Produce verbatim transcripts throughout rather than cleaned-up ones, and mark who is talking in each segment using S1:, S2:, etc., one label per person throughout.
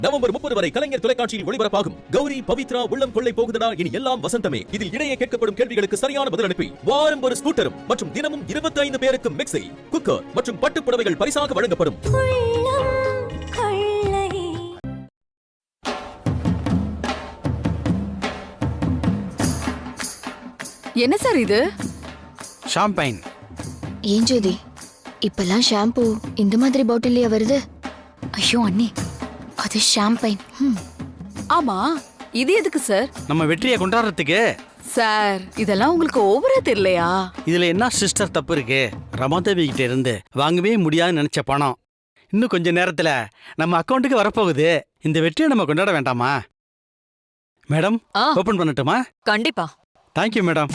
S1: November முப்பது வரை கலைஞர் தொலைக்காட்சியில் ஒளிபரப்பாகும் கௌரி பவித்ரா உள்ளம் கொள்ளை போகுதடா இனி எல்லாம் வசந்தமே. இதில் இடையே கேட்கப்படும் கேள்விகளுக்கு சரியான பதில் அனுப்பி வாரம் ஒரு ஸ்கூட்டரும் மற்றும் தினமும் இருபத்தி ஐந்து பேருக்கு மிக்ஸி, குக்கர் மற்றும் பட்டுப் புடவைகள் பரிசாக வழங்கப்படும்.
S2: என்ன சார் இது?
S3: ஷாம்பைன்.
S4: ஏன் ஜோதி, இப்பெல்லாம் ஷாம்பு இந்த மாதிரி பாட்டில்லையா வருது?
S2: ஐயோ அண்ணி, அது ஷாம்பைன். ஆமா, இது எதுக்கு சார்?
S3: நம்ம வெற்றியை கொண்டாடுறதுக்கு.
S2: சார், இதெல்லாம் உங்களுக்கு ஓவரா தெரியலையா?
S3: இதுல என்ன சிஸ்டர் தப்பு இருக்கு? ரமாதேவி கிட்ட இருந்து வாங்கவே முடியாதுன்னு நினைச்ச பணம் இன்னும் கொஞ்ச நேரத்துல நம்ம அக்கௌண்ட்டுக்கு வரப்போகுது. இந்த வெற்றியை நம்ம கொண்டாட வேண்டாமா? மேடம், ஓபன் பண்ணட்டுமா?
S5: கண்டிப்பா.
S3: Thank you madam.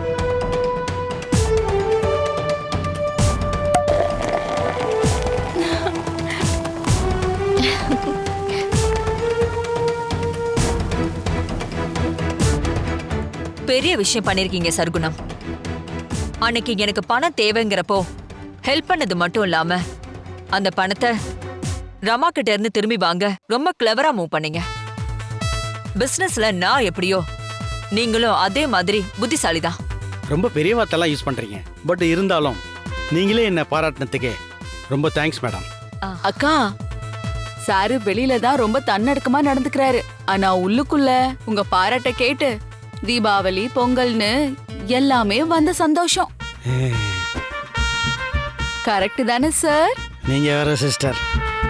S5: பெரிய விஷயம் பண்ணிருக்கீங்க சர்க்குணம். அன்னைக்கு எனக்கு பணம் தேவைங்கிறப்போ ஹெல்ப் பண்ணது மட்டும் இல்லாம அந்த பணத்தை ரமா கிட்ட இருந்து திரும்பி வாங்க ரொம்ப கிளவரா மூவ் பண்ணீங்க. பிசினஸ்ல நான் எப்படியோ நீங்களும் அதே மாதிரி புத்திசாலிதான்.
S3: ரொம்ப பெரிய வார்த்தைலாம் யூஸ் பண்றீங்க. பட் இருந்தாலும் நீங்களே என்ன பாராட்டினதுக்கு ரொம்ப தேங்க்ஸ் மேடம்.
S2: அக்கா, சாரு வெளியில தான் ரொம்ப தன்னடக்கமா நடந்துக்கிறாரு. ஆனா உள்ளுக்குள்ள உங்க பாராட்ட கேட்டு தீபாவளி பொங்கல்னு எல்லாமே வந்த சந்தோஷம். கரெக்ட் தானே சார்?
S3: நீங்க வேற சிஸ்டர்.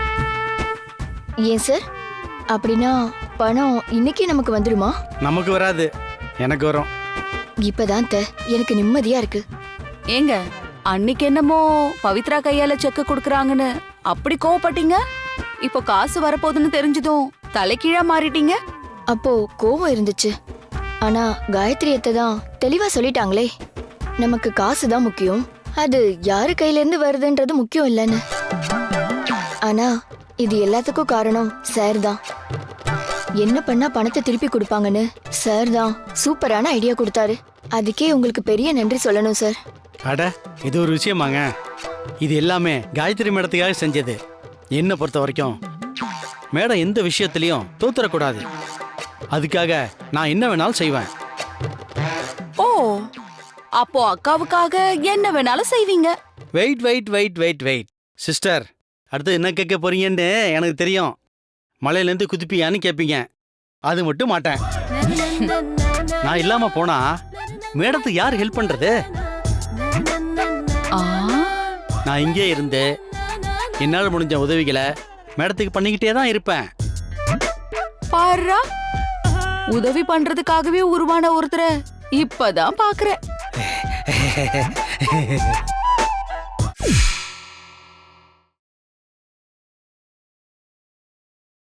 S4: ஏன் சார், அப்படின்னா பணம் இன்னைக்கு நமக்கு வந்துடுமா?
S3: நமக்கு வராது, எனக்கு வரும்.
S4: இப்பதான் எனக்கு நிம்மதியா இருக்கு.
S2: ஏங்க, அன்னைக்கு என்னமோ பவித்ரா கையால செக்க கொடுக்கறாங்கன்னு அப்படி கோவப்பட்டீங்க. இப்போ காசு வரப்போகுதுன்னு தெரிஞ்சதும் தலைகீழா மாறிட்டீங்க.
S4: அப்போ கோவம் இருந்துச்சு. ஆனா காயத்ரி அத்தை தான் தெளிவா சொல்லிட்டாங்களே, நமக்கு காசு தான் முக்கியம், அது யாரு கையில இருந்து வருதுன்றது முக்கியம் இல்லைன்னு. ஆனா இது எல்லாத்துக்கும் காரணம் சார் தான். என்ன பண்ணா பணத்தை திருப்பி கொடுப்பாங்கன்னு சார் தான் சூப்பரான ஐடியா கொடுத்தாரு. அதுக்கே உங்களுக்கு பெரிய நன்றி சொல்லணும் சார்.
S3: அட, இது ஒரு விஷயமாங்க. இது எல்லாமே காயத்ரி மேடத்துக்காக செஞ்சது. என்ன பொறுத்த வரைக்கும் மேடம் எந்த விஷயத்திலையும் தோத்துறக்கூடாது. அதுக்காக நான் என்ன வேணாலும் செய்வேன்.
S2: ஓ, அப்போ அக்காவுக்காக என்ன வேணாலும் செய்வீங்க.
S3: Wait wait wait wait wait sister, அடுத்து என்ன கேட்க போறீங்கன்னு எனக்கு தெரியும். மலையிலேருந்து குதிப்பியான்னு கேட்பீங்க. அது மட்டும் மாட்டேன். நான் இல்லாம போனா மேடத்துக்கு யார் ஹெல்ப் பண்றது? நான் இங்கே இருந்து என்னால் முடிஞ்ச உதவிகளை மேடத்துக்கு பண்ணிக்கிட்டே தான் இருப்பேன்.
S2: பாருடா, உதவி பண்றதுக்காகவே உருவான ஒருத்தரை இப்பதான் பாக்குறேன்.